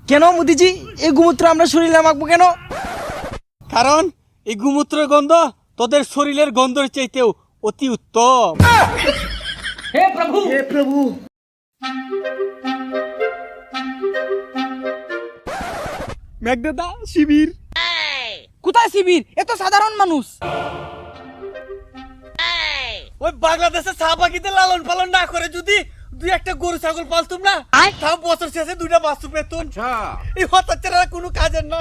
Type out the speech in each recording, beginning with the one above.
কেন মোদিজি এই গোমূত্র আমরা শরীরে মাখবো কেন? কারণ এই গোমূত্রের গন্ধ তোদের শরীরের গন্ধের চাইতেও অতি উত্তম। हे प्रभु হে প্রভু। মেঘদাদা শিবির কোথায় শিবির? এ তো সাধারণ মানুষ। ওই বাংলাদেশে চা বাগিতে লালন পালন না করে যদি দুই একটা গরু ছাগল পালতুম না, তাও বছর শেষে দুইটা বাস্তু পেতুন। এই হতাচ্ছারা কোনো কাজের না।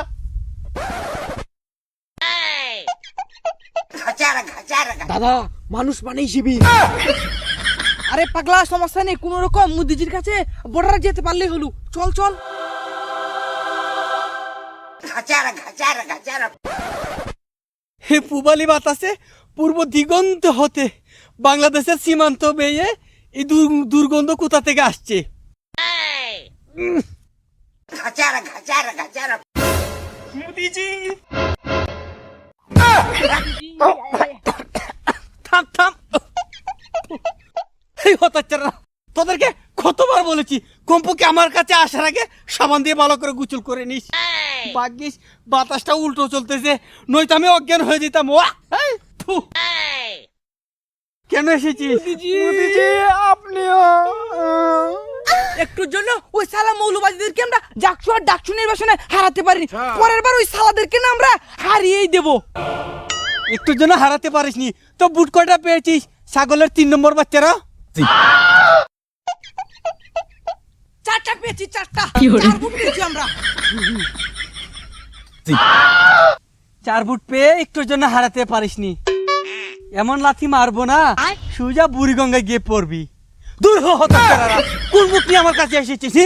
দাদা মানুষ মানেই শিবির। আরে পাগলা, সমস্যা নেই, কোন রকম মোদিজির কাছে বর্ডারে যেতে পারলেই হলো। চল চল। হে পুবালি বাতাসে পূর্ব দিগন্ত হতে বাংলাদেশের সীমান্ত বেয়ে এই দুর্গন্ধ কোথা থেকে আসছে? মোদিজি থাম থাম। এই হতাচ্ছারা, তোদেরকে কতবার বলেছি কমপক্ষে আমার কাছে আসার আগে সাবান দিয়ে ভালো করে গোসল করে নিস। ভাগ্যিস বাতাসটা উল্টো চলতেছে, নয়তো আমি অজ্ঞান হয়ে যেতাম। কেন এসেছিস? মোদিজি আপনিও। একটুর জন্য ওই সালা মৌলবাদীদেরকে আমরা জাকসু আর ডাকসু নির্বাচনে হারাতে পারিনি, পরের বার ওই সালাদেরকে না আমরা হারিয়েই দেব। একটুর জন্য হারাতে পারিসনি তো বুট কয়টা পেয়েছিস? ছাগলের 3 নম্বর বাচ্চারা। চারটা পেয়েছি, চারটা। 4 ফুট পেয়েছি আমরা। 4 ফুট পেয়ে একটুর জন্য হারাতে পারিসনি। এমন লাথি মারবো না সুজা বুড়িগঙ্গায় গিয়ে পড়বি। দূর হ হতাচ্ছারা, কোন মুখ নিয়ে আমার কাছে এসেছিস?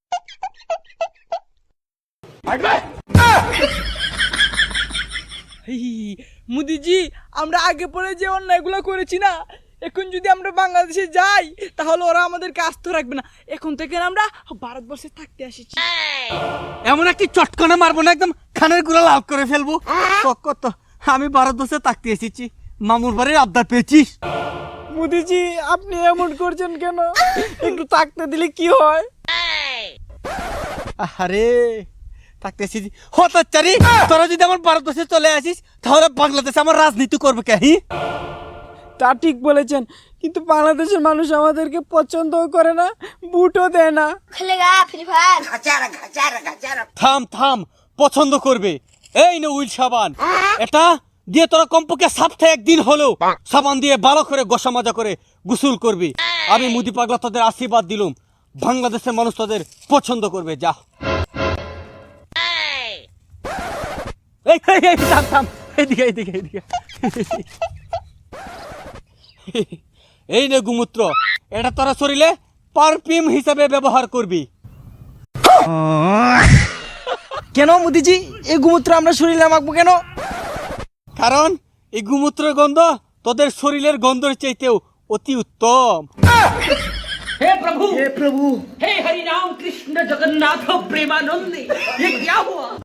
মোদিজি আমরা আগে পরে যে অন্যায়গুলো করেছি না, এখন যদি আমরা বাংলাদেশে যাই তাহলে ওরা আমাদেরকে আস্ত রাখবে না। এখন থেকে আমরা ভারতবর্ষে থাকতে এসেছি। এমন একটি চটকনে মারবো না, একদম খানের গুঁড়া লাল করে ফেলবো। কত আমি ভারতবর্ষে থাকতে এসেছি, মামুর বাড়ির আবদার পেয়েছিস? মোদিজি আপনি এমন করছেন কেন? একটু থাকতে দিলে কি হয়? আরে থাকতে এসেছি হতাচ্ছারি, তোরা যদি আমার ভারতবর্ষে চলে আসিস তাহলে বাংলাদেশে আমার রাজনীতি করবে কে? তা ঠিক বলেছেন, কিন্তু বাংলাদেশের মানুষ আমাদেরকে পছন্দও করে না, বুটও দেয় না। खेलेगा फ्री फायर থাম থাম, পছন্দ করবে। এই নে উইল সাবান, এটা দিয়ে তোরা কমপক্ষে সপ্তাহে একদিন হলেও সাবান দিয়ে ভালো করে গোসা মাজা করে গোসল করবি। আমি মুদি পাগলা তোদের আশীর্বাদ দিলুম, বাংলাদেশের মানুষ তোদের পছন্দ করবে। যা এই এই, এই, থাম থাম, এইদিকে এইদিকে এইদিকে। এই নে গোমূত্র, এটা তোরা শরীরে পারফিউম হিসাবে ব্যবহার করবি। কেন মোদিজি এই গোমূত্র আমরা শরীরে মাখবো কেন? কারণ এই গোমূত্রের গন্ধ তোদের শরীরের গন্ধের চাইতেও অতি উত্তম। हे प्रभु হে প্রভু। हे हरि राम कृष्ण जगन्नाथ प्रेमानंद, ये क्या हुआ?